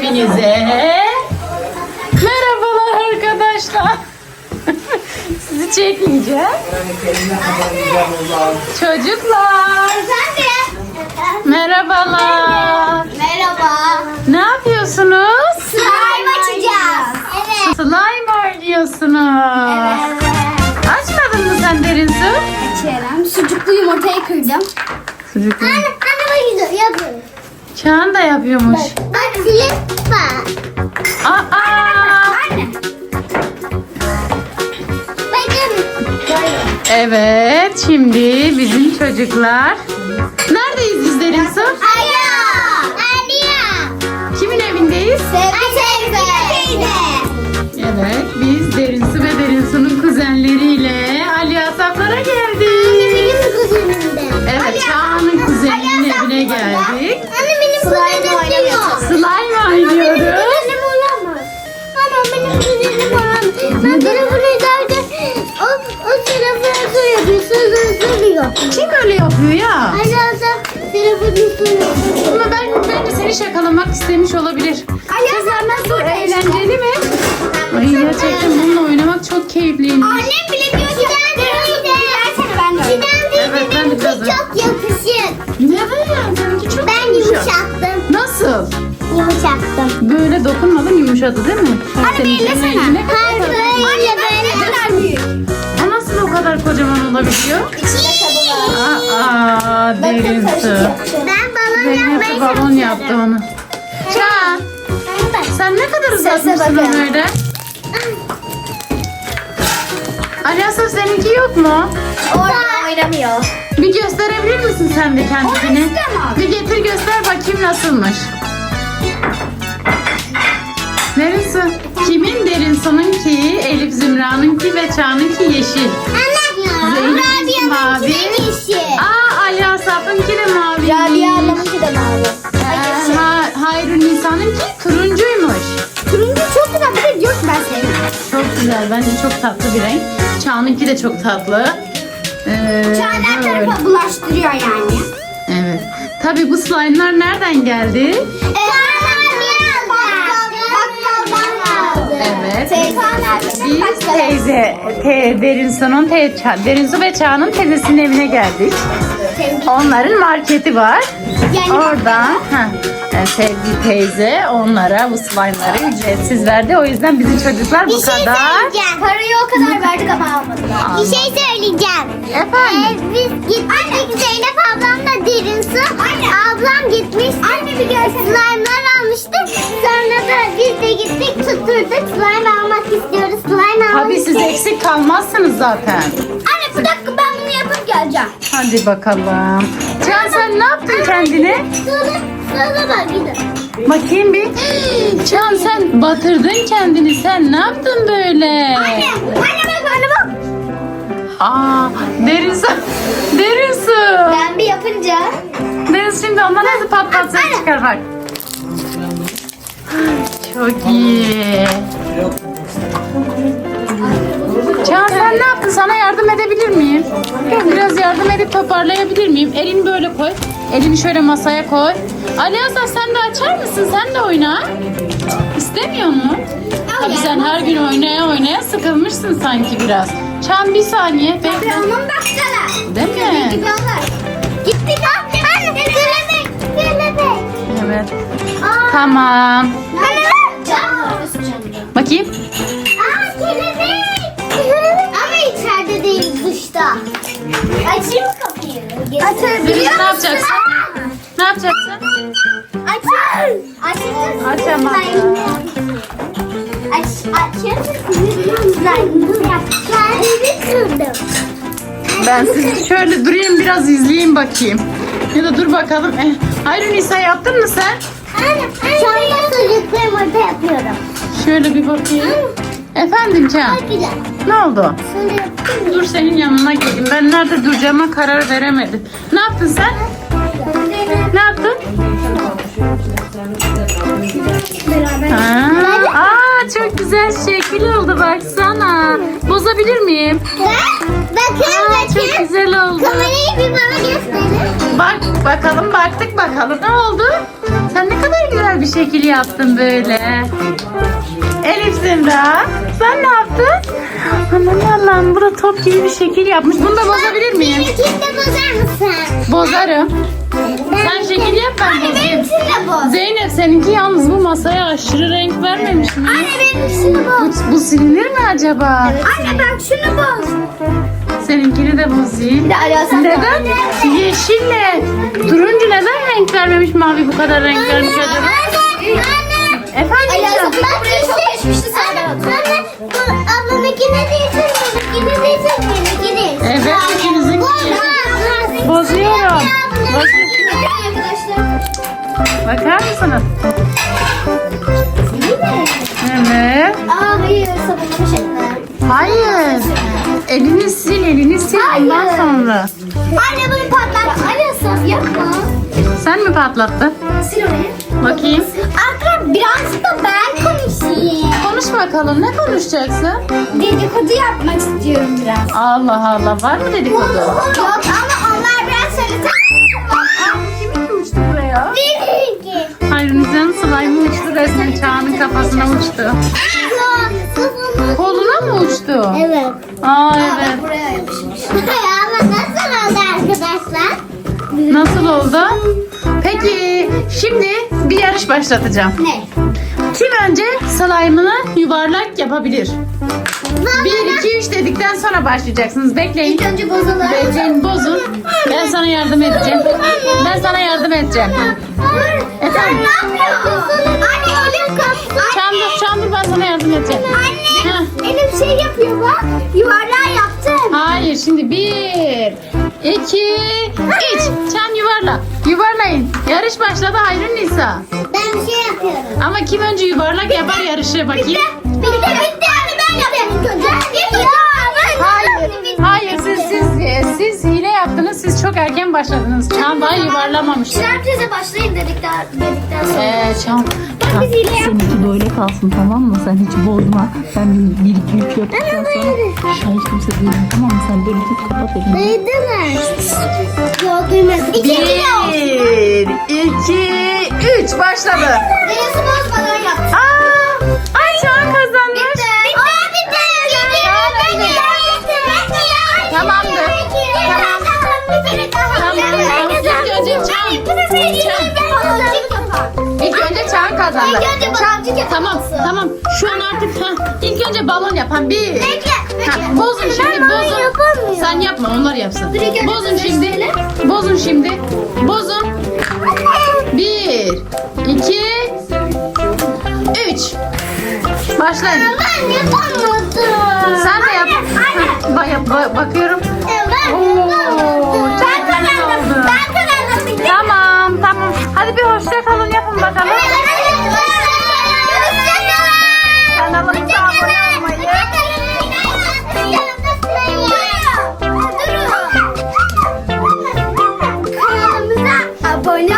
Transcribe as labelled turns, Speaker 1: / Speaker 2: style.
Speaker 1: hepinize. Merhabalar arkadaşlar. Sizi çekince. Çocuklar. Merhabalar.
Speaker 2: Merhaba.
Speaker 1: Ne yapıyorsunuz?
Speaker 2: Slime açacağız. Evet.
Speaker 1: Slime oynuyorsunuz. Açmadın mı sen derin su?
Speaker 2: Açıyorum. Sucuklu yumurtayı kırdım.
Speaker 1: Sucuklu.
Speaker 2: Anne bak yapıyorum.
Speaker 1: Çağan da yapıyormuş.
Speaker 2: Bak silip bak.
Speaker 1: Aa!
Speaker 2: Anne. Bakın.
Speaker 1: Evet, şimdi bizim çocuklar. Neredeyiz biz derin su?
Speaker 2: Aya. Aliya.
Speaker 1: Kimin evindeyiz?
Speaker 2: Teyze.
Speaker 1: Evet, biz Derin Su ve Derin Su'nun kuzenleriyle Ali Asaflara geldik.
Speaker 2: Benim kuzenimde.
Speaker 1: Evet, Çağan'ın kuzeninin evine geldik.
Speaker 2: Anne benim kuzenim oynamıyor.
Speaker 1: Slime oynuyoruz.
Speaker 2: Kuzenim oynamaz. Anne benim kuzenim oynamaz. Ben telefonu izlerken o telefonu söylüyor. Söylüyor.
Speaker 1: Kim öyle yapıyor ya?
Speaker 2: Ayaz'a telefonu söylüyor.
Speaker 1: Ama bence seni şakalamak istemiş olabilir. Kızlar nasıl? Eğlenceli mi? Ay gerçekten bununla oynamak çok keyifliymiş.
Speaker 2: Annem bile diyor ki
Speaker 1: Evet, ben de biraz
Speaker 2: çok yakışır.
Speaker 1: Neden? Seninki çok
Speaker 2: Ben yumuşattım.
Speaker 1: Nasıl?
Speaker 2: Yumuşattım.
Speaker 1: Böyle dokunmadın yumuşadı değil mi? Senin rengine kadar
Speaker 2: Hayır
Speaker 1: tatlı.
Speaker 2: böyle böyle kadar büyük.
Speaker 1: O nasıl o kadar kocaman olabiliyor? Aa, derin su.
Speaker 2: Ben balon
Speaker 1: Zeynep de balon yaptı onu. Çağan, sen ne kadar uzatmışsın
Speaker 2: bakın.
Speaker 1: onu öyle? Ali Asaf seninki yok mu?
Speaker 2: Orada oynamıyor.
Speaker 1: Bir gösterebilir misin sen de kendini?
Speaker 2: istemem.
Speaker 1: Bir getir göster bakayım nasılmış. Derin su. Kimin derin su'nunki, Elif Zümra'nınki ve Çağan'ınki yeşil. Zeynep'inki mavi. Aa, Ali Asaf'ınki de mavi.
Speaker 2: Rabia ablamınki de mavi.
Speaker 1: Hayrun Nisa'nınki turuncuymuş.
Speaker 2: Turuncu çok güzel. Bir de diyor ki ben sevmiyorum.
Speaker 1: Çok güzel. Bence çok tatlı bir renk. Çağan'ınki de çok tatlı.
Speaker 2: Çağlar
Speaker 1: böyle.
Speaker 2: tarafa bulaştırıyor yani.
Speaker 1: Evet. Tabii bu slime'lar nereden geldi? Evet. Biz Derin Su ve Çağan'ın teyzesinin evine geldik. Onların marketi var. Oradan sevgili teyze onlara bu slime'ları ücretsiz verdi. O yüzden bizim çocuklar bu kadar.
Speaker 2: Parayı o kadar verdik ama almadılar. Bir şey söyleyeceğim.
Speaker 1: Efendim?
Speaker 2: Biz gittik Zeynep ablamla Derin Su. Ablam gitmiş. Anne bir görsene. Slime'lar almıştı. Sonra da biz de gittik tutturduk. Slime almak istiyoruz. Slime almak
Speaker 1: Tabii siz eksik kalmazsınız zaten.
Speaker 2: Anne bir dakika ben bunu yapıp geleceğim.
Speaker 1: Hadi bakalım. Can sen ne yaptın kendine?
Speaker 2: Sonra bak gidin.
Speaker 1: Bakayım bir. Can sen batırdın kendini. Sen ne yaptın böyle?
Speaker 2: Anne bak.
Speaker 1: Aa, Derin Su. Derin Su.
Speaker 2: Ben bir yapınca.
Speaker 1: Derin Su şimdi ondan nasıl pat pat ses çıkar bak. Çok iyi. Can sen ne yaptın? Sana yardım edebilir miyim? Biraz yardım edip toparlayabilir miyim? Elini böyle koy. Elini şöyle masaya koy. Ali Hasan sen de açar mısın? Sen de oyna. İstemiyor mu? Tabii sen her gün oynaya sıkılmışsın sanki biraz. Çan bir saniye. Bekle.
Speaker 2: Onun baksana.
Speaker 1: Değil mi?
Speaker 2: Gibi olur. Gitti lan. Anne kelebek.
Speaker 1: Evet. Tamam.
Speaker 2: Canım.
Speaker 1: Bakayım.
Speaker 2: Aa kelebek. Ama içeride değil dışta. Açayım mı kapıyı? Açabiliyor
Speaker 1: Ne yapacaksın? Ne yapacaksın? Açamam. Ben sizi şöyle durayım biraz izleyeyim bakayım. Ya da dur bakalım. Hayır Nisa yaptın mı sen?
Speaker 2: Sonra sucuklu yumurta yapıyorum.
Speaker 1: Şöyle bir bakayım. Efendim Can.
Speaker 2: Çok güzel.
Speaker 1: Ne oldu?
Speaker 2: Şöyle yaptım.
Speaker 1: Dur senin yanına geleyim. Ben nerede duracağıma karar veremedim. Ne yaptın sen? Ne yaptın?
Speaker 2: Beraber.
Speaker 1: Aa, çok güzel şekil oldu baksana. Bozabilir miyim?
Speaker 2: Bakın
Speaker 1: Çok güzel oldu.
Speaker 2: Kamerayı bir bana gösterin.
Speaker 1: Baktık bakalım ne oldu? Sen ne kadar güzel bir şekil yaptın böyle. Elif Zümra, sen ne yaptın? Aman Allah'ım, burada top gibi bir şekil yapmış. Bunu da bozabilir miyim?
Speaker 2: Benimkini de bozar mısın?
Speaker 1: Bozarım. Sen şekil yap, ben bozayım.
Speaker 2: Benimkini de boz.
Speaker 1: Zeynep, seninki yalnız bu masaya aşırı renk vermemiş mi?
Speaker 2: Anne benimkini boz.
Speaker 1: Bu silinir mi acaba?
Speaker 2: Anne bak şunu boz.
Speaker 1: Seninkini de bozayım. Neden? Yeşille turuncu neden renk vermemiş, mavi bu kadar renk vermiş acaba?
Speaker 2: Anne.
Speaker 1: Efendim canım?
Speaker 2: Bak işte. Anne bu ablamınkine değilsin. Benimkine değilsin. Benimkine değilsin.
Speaker 1: Evet, ikinizin. Bozuyorum.
Speaker 2: Arkadaşlar.
Speaker 1: Bakar mısınız? Evet.
Speaker 2: Aa hayır sabunlamış eline.
Speaker 1: Hayır. Elini sil ondan
Speaker 2: Hayır.
Speaker 1: sonra.
Speaker 2: Anne bunu patlat. Anne saf yapma.
Speaker 1: Sen mi patlattın?
Speaker 2: Sil orayı.
Speaker 1: Bakayım.
Speaker 2: Arkadaşlar birazcık da ben konuşayım.
Speaker 1: Konuş bakalım, ne konuşacaksın?
Speaker 2: Dedikodu yapmak istiyorum biraz.
Speaker 1: Allah Allah, var mı dedikodu?
Speaker 2: Yok ama onlar biraz söylese.
Speaker 1: Kimin uçtu buraya?
Speaker 2: Benimki.
Speaker 1: Hayruniza'nın slime'ı uçtu resmen, Çağan'ın kafasına uçtu. Koluna mı uçtu?
Speaker 2: Evet.
Speaker 1: Aa evet.
Speaker 2: Buraya yapışmış. Ama nasıl oldu arkadaşlar?
Speaker 1: Nasıl oldu? Peki şimdi bir yarış başlatacağım.
Speaker 2: Ne?
Speaker 1: Kim önce slime'ını yuvarlak yapabilir? 1, 2, 3 dedikten sonra başlayacaksınız. Bekleyin.
Speaker 2: İlk önce bozalım.
Speaker 1: Bekleyin, bozun. Ben sana yardım edeceğim. Ben sana yardım edeceğim. Efendim?
Speaker 2: Ne yapıyorsun? Anne elim kaptı.
Speaker 1: Çamdır, ben sana yardım edeceğim.
Speaker 2: Anne
Speaker 1: Heh.
Speaker 2: elim şey yapıyor bak. Yuvarlağı yaptım.
Speaker 1: Hayır, şimdi 1, 2, 3. Çam yuvarla. Yuvarlayın. Yarış başladı Hayrun Nisa.
Speaker 2: Ben bir şey yapıyorum.
Speaker 1: Ama kim önce yuvarlak yapar yarışı bakayım.
Speaker 2: Bitti. Anne ben yapayım ilk önce.
Speaker 1: Hayır, siz hile yaptınız. Siz çok erken başladınız. Çam daha yuvarlamamış.
Speaker 2: Herkese başlayın dedikten sonra.
Speaker 1: Çam.
Speaker 2: Biz hile yaptık.
Speaker 3: Seninki böyle kalsın, tamam mı? Sen hiç bozma. Ben 1, 2, 3 yaptıktan sonra hiç kimse duymuyor, tamam mı? Sen böyle tut, kapat elini.
Speaker 2: Duydular. Yok duymadım.
Speaker 1: 1, 2, 3 başladı.
Speaker 2: Birisi bozmadan yaptı.
Speaker 1: Ay Çağan kazanmış. Tamamdır. İlk önce Çağan kazandı. Tamam. Şu an artık ilk önce balon yapan bir. Bozun şimdi, bozun. Sen yapma, onlar yapsın. Bozun şimdi. Bozun. 1, 2, 3. Başlayın.
Speaker 2: Ben yapamadım.
Speaker 1: Sen de yap. Bakıyorum. Oo, çok güzel oldu.
Speaker 2: Ben kazandım.
Speaker 1: Tamam. Hadi bir hoşça kalın yapın bakalım. Kanalımıza abone olmayı.
Speaker 2: Kanalımıza abone